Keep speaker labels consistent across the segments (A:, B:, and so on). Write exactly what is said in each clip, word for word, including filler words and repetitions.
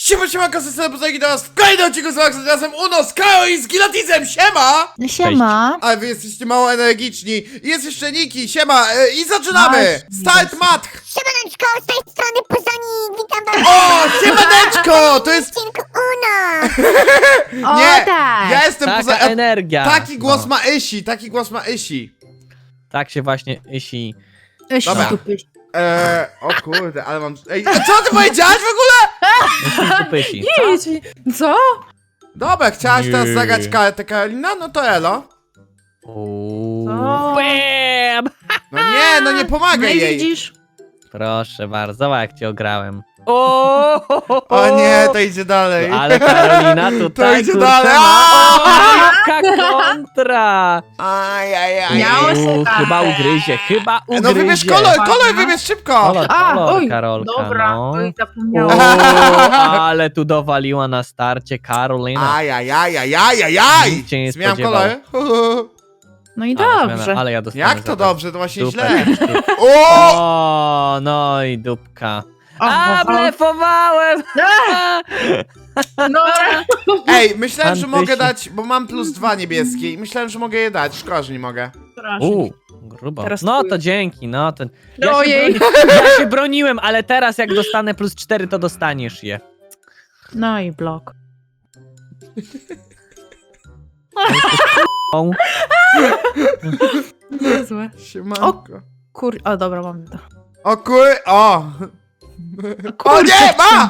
A: Siema, siema, kasy pozegi do nas w kolejnym odcinku z Maxem, razem Uno, z Karo i z Gilatizem, siema!
B: Siema.
A: Ale wy jesteście mało energiczni. Jest jeszcze Niki, siema, e, i zaczynamy! Start match!
C: Siemaneczko, z tej strony Puzonik, witam was
A: O, siemaneczko! To jest...
C: w odcinku Uno!
B: O,
A: Nie,
B: tak.
A: ja jestem
D: Taka
A: poza...
D: energia.
A: Taki głos
D: No.
A: ma Isi, taki głos ma Isi.
D: Tak się właśnie Isi.
B: Eś,
A: Dobra.
B: stupy.
A: Eee, o kurde, ale mam... Ej, a co ty powiedziałaś w ogóle?
D: Pysi.
B: Idź. Co?
A: Dobra, chciałaś
D: Nie.
A: teraz zagrać kartę Karolina? No to elo.
D: Uuu.
B: Co?
D: Bam!
A: No nie, no nie
B: No
A: pomagaj
B: i
A: jej.
B: widzisz?
D: Proszę bardzo, zobacz jak cię ograłem. O,
A: O nie, to idzie dalej.
D: Ale Karolina tutaj
A: To idzie
D: kurczę,
A: dalej.
D: ma-
A: Aaaa!
D: O, jaka kontra!
A: Aj, aj, aj.
B: Miało się
D: Uuu,
B: tak.
D: chyba ugryzie, chyba ugryzie.
A: No wybierz kolor, kolor wybierz szybko.
D: Kolor,
B: A,
D: kolor,
B: oj,
D: Karolka,
B: dobra,
D: no.
B: oj,
D: O,
B: zapomniałam.
D: ale tu dowaliła na starcie Karolina.
A: Aj, aj, aj, aj, aj, aj, aj.
D: Nikt się nie
A: Zmieniam
D: spodziewał.
A: kolor.
B: No i
D: Ale
B: dobrze.
D: zmiana, ale ja dostanę
A: Jak
D: za
A: to dobrze, to właśnie
D: Super.
A: źle. O!
D: O, no i dupka.
B: O,
D: A,
B: o, o.
D: blefowałem!
B: No,
A: Ej, myślałem, że
D: Antysi.
A: mogę dać, bo mam plus dwa niebieskie i myślałem, że mogę je dać. Szkoda, że nie mogę.
D: Uuu, grubo.
B: Teraz
D: No
B: twój.
D: to dzięki, no to... Ja się,
B: Ojej.
D: broni... ja się broniłem, ale teraz jak dostanę plus cztery, to dostaniesz je.
B: No i blok.
D: O,
B: Niezłe.
A: Siemanko.
B: Kur... O, dobra, mam to.
A: O kur... O! O
B: Kurczę,
A: nie, ma!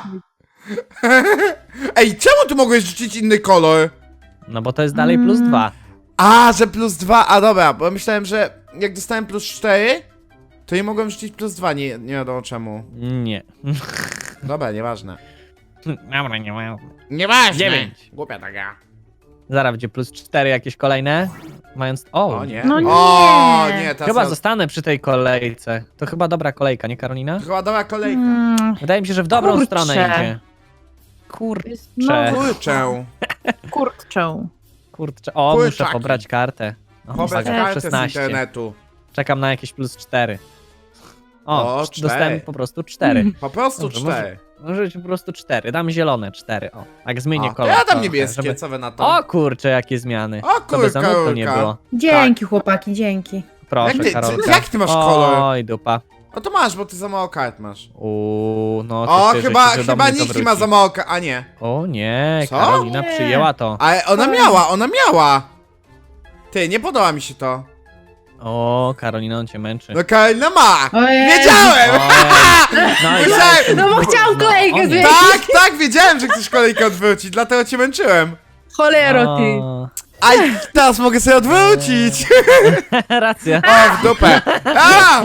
A: Ej, czemu tu mogłeś rzucić inny kolor?
D: no bo to jest dalej plus
B: Mm.
D: dwa.
A: A, że plus dwa, a dobra, bo myślałem, że jak dostałem plus cztery, to nie mogłem rzucić plus dwa, nie, nie wiadomo czemu.
D: Nie.
A: Dobra, nieważne.
D: Dobra, nie ma.
A: Nieważne!
D: Dziewięć.
A: Głupia taka.
D: Zaraz będzie plus cztery jakieś kolejne. Mając... O,
A: O nie.
B: No nie.
A: O nie, teraz
D: Chyba
A: ja...
D: zostanę przy tej kolejce. To chyba dobra kolejka, nie Karolina?
A: To chyba dobra kolejka.
B: Mm,
D: Wydaje mi się, że w dobrą
B: Kurczę.
D: stronę idzie. Kurczę.
B: jest- no,
A: Kurczę.
B: kurczę.
D: Kurczę. O,
A: Kurczaki.
D: muszę pobrać kartę. O,
A: Pobrać
D: uwaga,
A: kartę z
D: szesnaście.
A: internetu.
D: Czekam na jakieś plus cztery. O,
A: O,
D: cz-
A: cztery.
D: dostałem po prostu cztery.
A: Po prostu
D: Dobrze,
A: cztery.
D: Może być po prostu cztery. Dam zielone cztery. O, jak zmienię
A: O, to
D: kolor.
A: ja dam
D: trochę,
A: niebieskie,
D: żeby-
A: co wy na to?
D: O kurczę, jakie zmiany.
A: O,
D: To bez
A: kurka,
D: zanutu nie
A: kurka.
D: było.
B: Dzięki, chłopaki, dzięki.
D: Proszę,
A: Jak ty-
D: Karolka.
A: jak ty masz kolor?
D: Oj, dupa.
A: O, to masz, bo ty za mało kart masz.
D: Uuu, no
A: O,
D: cieszę
A: chyba,
D: się, że do
A: chyba
D: mnie to
A: Niki ma
D: wróci.
A: za mało kart, a nie.
D: O nie,
A: Co?
D: Karolina
B: Nie.
D: przyjęła to.
A: Ale ona miała, ona miała. Ty, nie podoba mi się to.
D: O, Karolina, on cię męczy.
A: No Karolina ma!
B: Ojej.
A: Wiedziałem!
D: Ojej. No i
A: Myślałem-
B: No bo chciałam kolejkę
D: O nie.
B: zmienić.
A: Tak, tak, wiedziałem, że chcesz kolejkę odwrócić, dlatego cię męczyłem.
B: Cholero, ty.
D: O,
A: Aj, teraz mogę sobie odwrócić!
D: racja.
A: O, w dupę! A!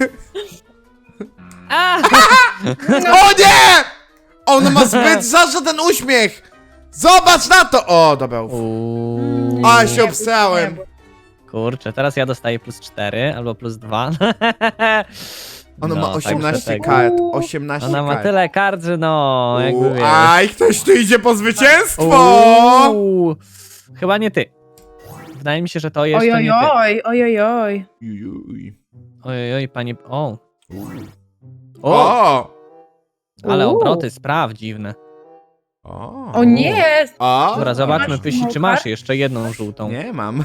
D: A!
A: O nie! On ma zbyt za ten uśmiech! Zobacz na to! O, dobra. uf.
D: Uuu.
A: A, się obsrałem.
D: Kurczę, teraz ja dostaję plus cztery albo plus dwa.
A: Ona
D: No,
A: ma
D: także
A: osiemnaście
D: tego.
A: kart, osiemnaście
D: Ona ma
A: kart.
D: tyle kart, że no, jakby
A: Uuu,
D: wiesz.
A: Aj, ktoś tu idzie po zwycięstwo!
D: Uuu. Chyba nie ty. Wydaje mi się, że to jeszcze
B: Oj,
D: nie
B: oj,
D: ty.
B: oj, oj, oj, oj.
A: Jujuj.
D: Oj, oj, panie... O! O!
A: O!
D: Ale
B: Uuu.
D: obroty, spraw dziwne.
A: O!
B: O nie!
A: O!
D: Dobra, zobaczmy,
B: masz
D: Pysi, czy
B: tą
D: masz
B: kartę?
D: jeszcze jedną żółtą.
A: Nie mam.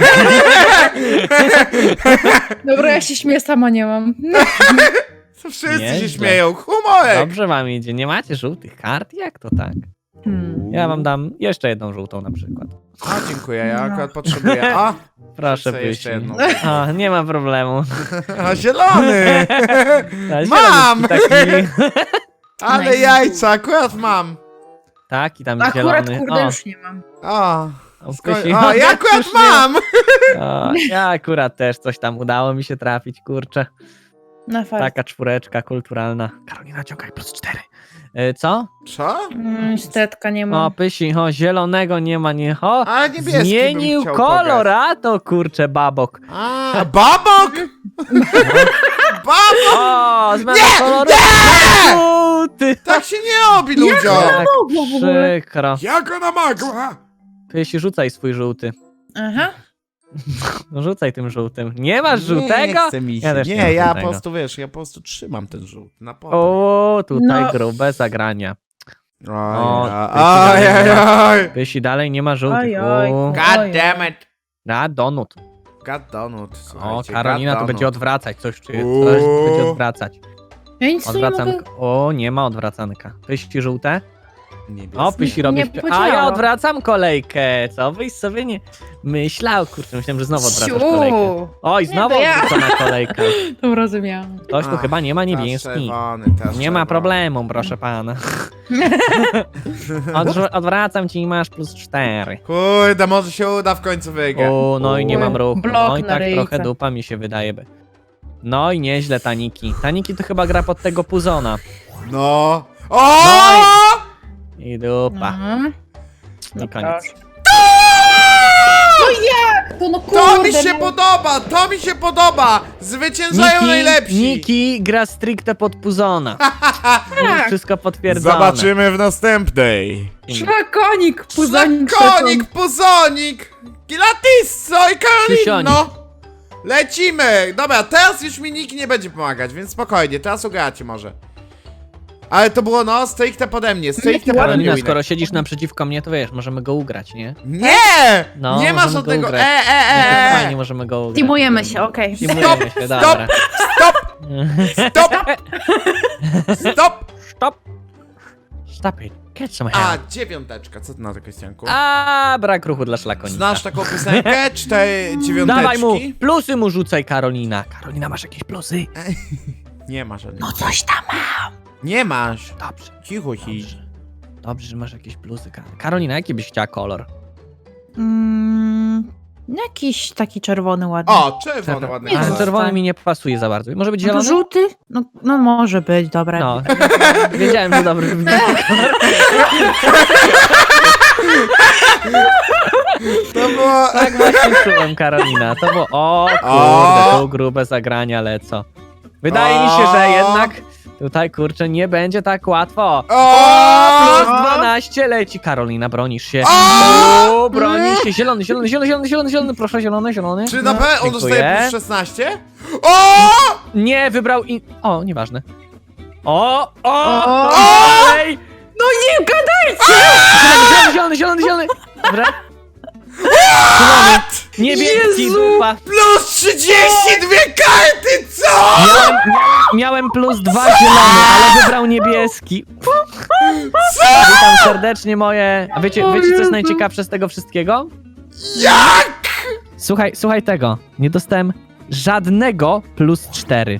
B: Dobra, ja się śmieję, sama nie mam.
A: To wszyscy
D: Nieźle.
A: się śmieją. Humorek!
D: Dobrze wam idzie. Nie macie żółtych kart? Jak to tak?
B: Hmm.
D: Ja wam dam jeszcze jedną żółtą na przykład.
A: O, dziękuję, ja
B: No.
A: akurat potrzebuję. O!
D: Proszę,
A: Chcę jeszcze
D: Pysi.
A: jedną.
D: O, nie ma problemu.
A: O, zielony!
D: A,
A: Mam!
D: zielonki Taki,
A: Ale
B: Nice.
A: jajca, akurat mam.
D: taki tam
B: Akurat,
D: zielony.
B: kurde,
D: O,
B: już nie mam.
A: O!
D: o,
A: Sko-
D: Pysi.
A: o, ja akurat
D: Już nie-
A: mam!
D: O, ja akurat też coś tam udało mi się trafić, kurczę.
B: Na fakt.
D: Taka czwóreczka kulturalna. Karolina, ciągaj plus cztery. E, co?
A: Co?
B: Mm, Stetka nie
D: O,
B: mam.
D: Pysi, o, zielonego nie ma, nie, o.
A: A niebieski
D: Zmienił
A: bym chciał
D: kolor,
A: pograć.
D: a to kurczę babok.
A: A, babok! Babok!
D: O, zmiana koloru.
A: nie!
D: Żółty.
A: Tak się nie robi, ludziom!
D: Jak
B: mogło w ogóle?
D: przykro.
A: Jak ona mogła?
D: Pysi, rzucaj swój żółty.
B: Aha.
D: No rzucaj tym żółtym. Nie masz żółtego?
A: Nie chce mi się.
D: Ja też
A: nie,
D: nie mam
A: ja
D: żółtego.
A: po prostu, wiesz, ja po prostu trzymam ten żółt na potem.
D: O, tutaj
B: No.
D: grube zagrania. O,
A: Ajajaj!
D: Jeśli dalej nie ma żółtych.
B: Oj, oj.
D: O,
A: God damn it!
D: a, donut.
A: God donut,
D: O,
A: słuchajcie,
D: Karolina
A: God
D: to będzie
A: donut.
D: odwracać, coś czuję,
A: Uuu.
D: coś będzie odwracać.
B: Ja nic tu nie mogę...
D: Odwracanka. O, nie ma odwracanka. Pyści żółte?
A: Niebieskie.
D: O, pyści robi...
B: Nie
D: A ja
B: podziała.
D: odwracam kolejkę. Co byś sobie nie myślał? Kurczę, myślałem, że znowu odwracasz kolejkę.
B: Siu.
D: Oj,
B: Nie,
D: znowu
B: to ja.
D: odwrócona kolejka.
B: To rozumiałam.
D: Ktoś tu
A: Ach,
D: chyba nie ma
A: teraz
D: niebieski.
A: czerwony, teraz
D: Nie ma
A: czerwony.
D: problemu, proszę pana. Odwr- odwracam ci i masz plus cztery.
A: Kurde, może się uda w końcu wygrać.
D: O, no i nie mam ruchu.
B: Blok
D: No i
B: na
D: tak
B: ryjce.
D: trochę dupa mi się wydaje. by. No i nieźle Taniki. Taniki to chyba gra pod tego Puzona.
A: No. O!
D: No I dupa.
B: Mhm.
D: I koniec.
B: To no kurde,
A: To mi się
B: no.
A: podoba, to mi się podoba! Zwyciężają najlepsi!
D: Niki gra stricte pod Puzona.
B: Tak.
D: Wszystko potwierdzone.
A: Zobaczymy w następnej.
B: Szlakonik, puzanik,
A: Szlakonik, puzonik, Gilatisso i Karolino! Lecimy! Dobra, teraz już mi nikt nie będzie pomagać, więc spokojnie, teraz ugracie może. Ale to było no, stricte pode mnie, stricte pode mnie.
D: Karolina,
A: Winek.
D: skoro siedzisz naprzeciwko mnie, to wiesz, możemy go ugrać, nie?
A: Nie!
D: No,
A: nie ma
D: możemy go
A: żadnego.
D: ugrać.
A: E, e,
D: E,
A: e,
D: Fajnie,
A: e.
D: możemy go ugrać.
B: Teamujemy się, okej.
D: Teamujemy się, dobra.
A: Stop! Stop! Stop!
D: Stop! Stop it. Catch some help.
A: A, dziewiąteczka, co ty na to, Krystianku?
D: A, brak ruchu dla szlakonika.
A: Znasz taką piosenkę? Cztery dziewiąteczki?
D: Dawaj mu, plusy mu rzucaj, Karolina. Karolina, masz jakieś plusy?
A: Nie masz żadnych.
B: No coś tam.
A: Nie masz.
D: Dobrze,
A: Cicho ci.
D: dobrze. Dobrze, że masz jakieś plusy, Kar- Karolina, jaki byś chciała kolor?
B: Mm, jakiś taki czerwony ładny.
A: O, czerwony, ładny.
B: Nie,
D: Ale
A: kolor.
D: czerwony mi nie pasuje za bardzo. Może być
B: No to
D: zielony?
B: żółty? No, no może być, dobra.
D: No, wiedziałem, że dobry wybór.
A: To było...
D: Tak właśnie czułem, Karolina. To było, o
A: O!
D: kurde, tu grube zagrania lecą. Wydaje mi się, że jednak tutaj, kurczę, nie będzie tak łatwo.
A: O!
D: Plus dwanaście leci, Karolina, bronisz się.
A: O!
D: O, bronisz się. Zielony, zielony, zielony, zielony, zielony, zielony, proszę, zielony, zielony.
A: Czy na pewno on
D: Dziękuję.
A: dostaje plus szesnaście? O!
D: Nie, wybrał i... O, nieważne. O, o,
B: O!
D: Ej!
B: No nie gadaj!
D: Zielony, zielony, zielony, zielony. Dobra. Zielony. Niebieski,
B: Jezu!
D: dupa.
A: Plus trzydzieści dwie karty, co?
D: Miałem, miałem plus dwa zielone, ale wybrał niebieski. Witam serdecznie moje... A wiecie,
B: O
D: wiecie co jest
B: Jezu.
D: najciekawsze z tego wszystkiego?
A: Jak?
D: Słuchaj, słuchaj tego. Nie dostałem żadnego plus cztery.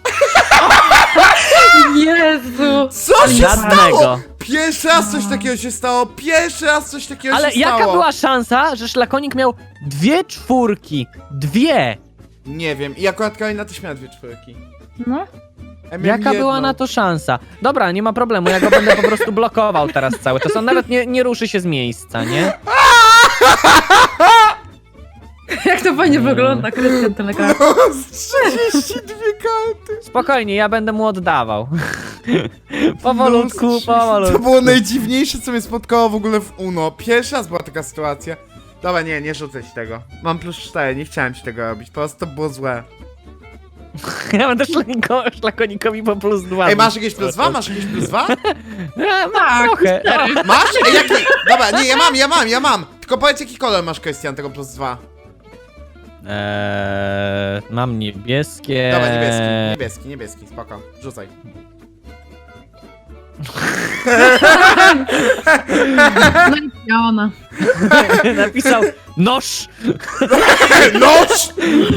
B: Jezu!
A: Co się stało?
D: Żadnego.
A: Pierwszy raz coś takiego się stało, pierwszy raz coś takiego
D: Ale
A: się
D: jaka
A: stało.
D: była szansa, że szlakonik miał dwie czwórki? Dwie!
A: Nie wiem, i akurat Karolina też miała dwie czwórki.
B: No.
A: Ja miałem
D: Jaka była
A: jedną.
D: na to szansa? Dobra, nie ma problemu, ja go będę po prostu blokował teraz cały czas. On nawet nie, nie ruszy się z miejsca, nie?
B: Jak to fajnie
D: Mm.
B: wygląda, Krystian Telegram.
A: trzydzieści dwie karty.
D: Spokojnie, ja będę mu oddawał. Powolutku,
A: No, To
D: powolutku.
A: było najdziwniejsze, co mnie spotkało w ogóle w Uno. Pierwszy raz była taka sytuacja. Dobra, nie, nie rzucę ci tego. Mam plus cztery, nie chciałem ci tego robić, po prostu to było złe.
D: Ja będę szlakoniko, szlakonikowi po plus dwa.
A: Ej, masz jakieś plus dwa? Masz jakieś plus dwa?
D: Ja,
B: Tak,
D: trochę.
A: Masz? Ej, jaki? Dobra, nie, ja mam, ja mam, ja mam. Tylko powiedz, jaki kolor masz, Krystian, tego plus dwa.
D: Eee, mam niebieskie.
A: Dobra, niebieski, niebieski, niebieski, spoko, rzucaj.
B: No i ona.
D: Napisał noż.
A: Noż!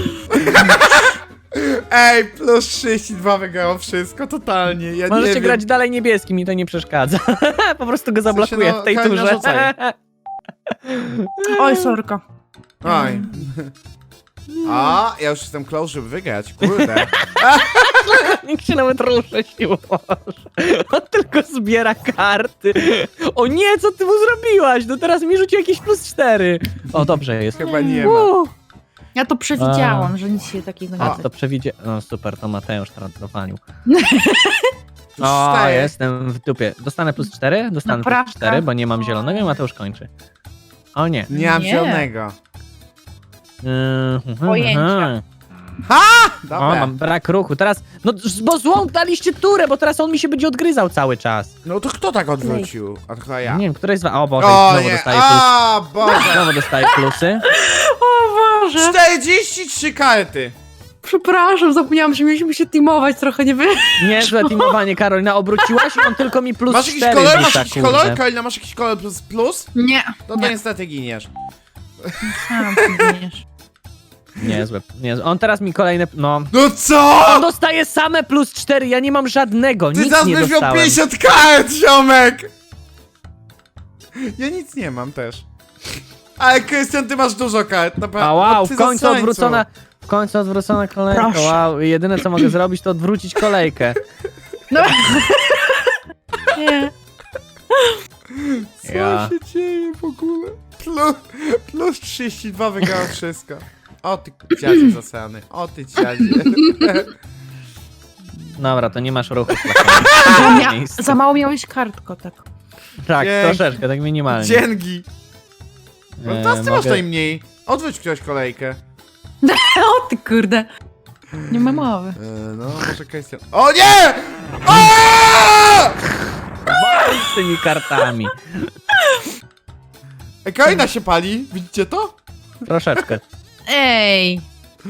A: Ej, plus trzydzieści dwa wygrało wszystko, totalnie, ja nie
D: Możecie
A: wiem.
D: grać dalej niebieskim, mi to nie przeszkadza. Po prostu go zablokuję
A: no,
D: w tej
A: Karolina,
D: turze.
A: rzucaj.
B: Oj, sorka.
A: Oj. A, ja już jestem close, żeby wygrać, kurde.
D: Nikt się nawet ruszać nie może. On tylko zbiera karty. O nie, co ty mu zrobiłaś? No teraz mi rzuci jakieś plus cztery. O, dobrze jest.
A: Chyba nie ma.
D: Uuu.
B: Ja to przewidziałam, że nic się takiego nie
D: A,
B: dzieje.
D: to przewidzie... No super, to Mateusz teraz dowalił.
A: Plus
D: O,
A: cztery.
D: jestem w dupie. Dostanę plus cztery? Dostanę
B: Naprawdę?
D: plus cztery, bo nie mam zielonego i Mateusz kończy. O nie.
A: Nie mam
B: Nie.
A: zielonego.
D: Mhm,
B: Pojęcia.
D: mhm.
A: Ha!
D: O,
A: Dobra.
D: mam brak ruchu. Teraz, no bo złą daliście turę, bo teraz on mi się będzie odgryzał cały czas.
A: No to kto tak odwrócił? A to chyba ja.
D: Nie wiem, któreś z was... O Boże,
A: O
D: znowu
A: nie,
D: dostaję plusy.
A: a Boże.
D: Znowu dostaję plusy.
B: O Boże.
A: czterdzieści trzy karty.
B: Przepraszam, zapomniałam, że mieliśmy się teamować trochę, nie wy...
D: Niezłe teamowanie, Karolina. Obróciłaś i on tylko mi plus
A: Masz jakiś
D: cztery
A: kolor?
D: rzuca,
A: Masz jakiś
D: kurde.
A: kolor? Karolina, masz jakiś kolor plus plus?
B: Nie.
A: No to
B: nie.
A: niestety giniesz.
B: Sam zginiesz.
D: Niezłe, niezłe. On teraz mi kolejne... No...
A: No co?
D: On dostaje same plus cztery, ja nie mam żadnego,
A: Ty
D: nic
A: teraz
D: nie
A: będziesz miał
D: dostałem.
A: pięćdziesiąt kart, ziomek! Ja nic nie mam też. Ale Krystian, ty masz dużo kart, naprawdę.
D: A wow,
A: No
D: w
A: ty
D: końcu
A: zasrańcu.
D: odwrócona... W końcu odwrócona kolejka,
B: Proszę.
D: wow. Jedyne co mogę zrobić to odwrócić kolejkę.
B: No. Nie.
A: Co
D: Ja.
A: się dzieje w ogóle? Plus, plus trzydzieści dwa wygrałem wszystko. O ty dziadzie zasrany, o ty dziadzie.
D: Dobra, to nie masz ruchu.
B: Za, mia
D: Miejsce.
B: za mało miałeś kart, kotek.
D: Tak,
A: Dzięki.
D: troszeczkę, tak minimalnie.
A: Dzięki. No
D: E,
A: teraz ty masz
D: mogę-
A: najmniej. Odwróć ktoś kolejkę.
B: O ty kurde. Nie ma mowy.
A: E, no, może Krystian. O nie! Aaaa!
D: Wal z tymi kartami.
A: Ej, Karolina się pali, widzicie to?
D: Troszeczkę.
B: Ej.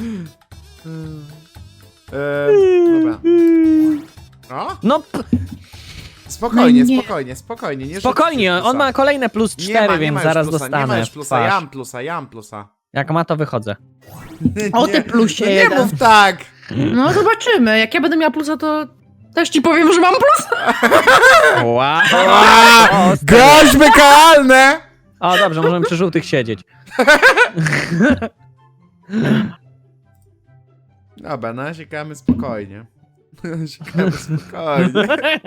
A: Eee, dobra. No,
D: No, p-
A: spokojnie,
B: No nie.
A: spokojnie, spokojnie. Nie
D: spokojnie,
A: rzućcie
D: on ma
A: plusa.
D: kolejne plus
A: Nie
D: cztery,
A: ma, nie
D: więc
A: ma już
D: zaraz
A: plusa, Nie
D: dostanę.
A: ma już
D: w
A: plusa, ja
D: twarz.
A: mam plusa, ja mam plusa.
D: Jak ma, to wychodzę.
B: O ty
A: Nie,
B: plusie
A: no nie
B: jeden.
A: mów tak!
B: No zobaczymy. Jak ja będę miała plusa, to też ci powiem, że mam plus.
D: Wow.
A: Aaa,
D: O,
A: groźby karalne!
D: o, dobrze, możemy przy żółtych siedzieć.
A: Dobra, no siekamy spokojnie. Siekamy spokojnie.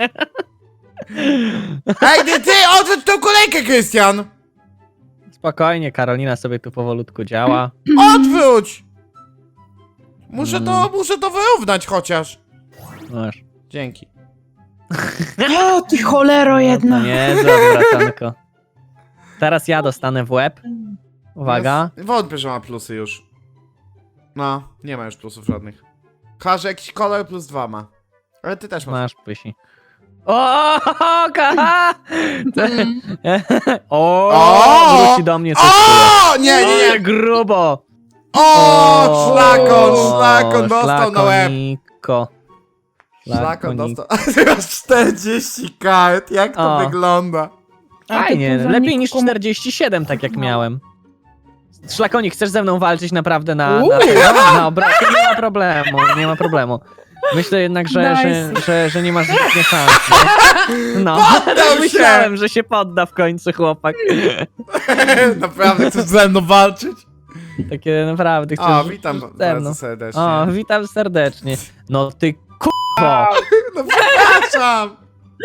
A: Ej, ty, ty, odwróć tą kolejkę, Krystian!
D: Spokojnie, Karolina sobie tu powolutku działa.
A: Odwróć! Muszę to,
D: Mm.
A: muszę to wyrównać chociaż.
D: Masz.
A: Dzięki.
B: O ty cholero jedna.
D: Nie, zwracanko. Teraz ja dostanę w łeb. Uwaga.
A: Ja wątpię, że ma plusy już. No, nie ma już plusów żadnych. Każe jakiś kolor plus dwa ma. Ale ty też masz.
D: Masz pysi. O, kaha!
B: Mm.
D: O,
A: O!
D: wróci do mnie coś czuję.
A: O! Nie, nie, nie!
D: Grubo!
A: O! Szlakon, szlakon dostał na łeb.
D: Szlakoniko.
A: Szlakon
D: Szlakonik.
A: dostał. A ty masz czterdzieści kart. Jak to
D: O.
A: wygląda?
D: Fajnie,
B: A ty
D: lepiej niż
B: komu-
D: czterdzieści siedem, tak jak miałem. Szlakonik, chcesz ze mną walczyć naprawdę na, na,
B: Uuu.
D: na, na obrazku? Nie ma problemu, nie ma problemu. Myślę jednak, że, że,
B: Nice.
D: że, że nie masz zbytnie szans. nie? No,
A: Poddał się!
D: myślałem, że się podda w końcu chłopak.
A: Naprawdę chcesz ze mną walczyć?
D: Takie naprawdę chcesz
A: O, witam
D: ze mną.
A: bardzo serdecznie.
D: O, witam serdecznie. No ty k***o!
A: No przepraszam!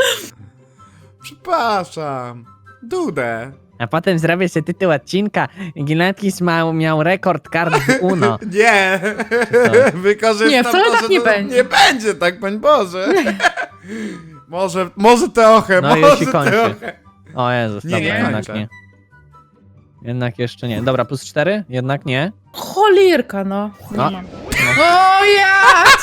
A: Przepraszam. Dudę.
D: A potem zrobię sobie tytuł odcinka. Gilatkis miał, miał rekord kart w Uno.
A: Nie! Wykorzystam
B: Nie, wcale
A: to,
B: tak
A: że
B: nie
A: to
B: będzie.
A: Nie będzie tak, pań Boże. może, może trochę,
D: No i
A: może
D: się kończy.
A: trochę.
D: O Jezus,
A: Nie,
D: dobra,
A: nie
D: jednak
A: kończę.
D: nie. Jednak jeszcze nie. Dobra, plus cztery? Jednak nie.
B: Cholirka, no. Nie
D: No.
B: mam. O jak!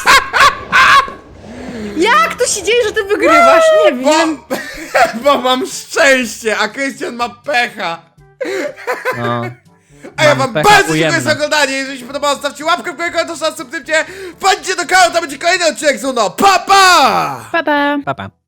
B: Jak to się dzieje, że ty wygrywasz? Nie
A: Bo,
B: wiem.
A: bo mam szczęście, a Krystian ma pecha.
D: No.
A: A ja
D: Mam
A: wam
D: pecha
A: bardzo dziękuję
D: ujemne.
A: za oglądanie. Jeżeli się podobało, stawcie łapkę w górę, komentarz, subskrypcję. Wpadźcie do kanału, to będzie kolejny odcinek z Uno. Pa, pa!
B: Pa, pa.
D: Pa, pa.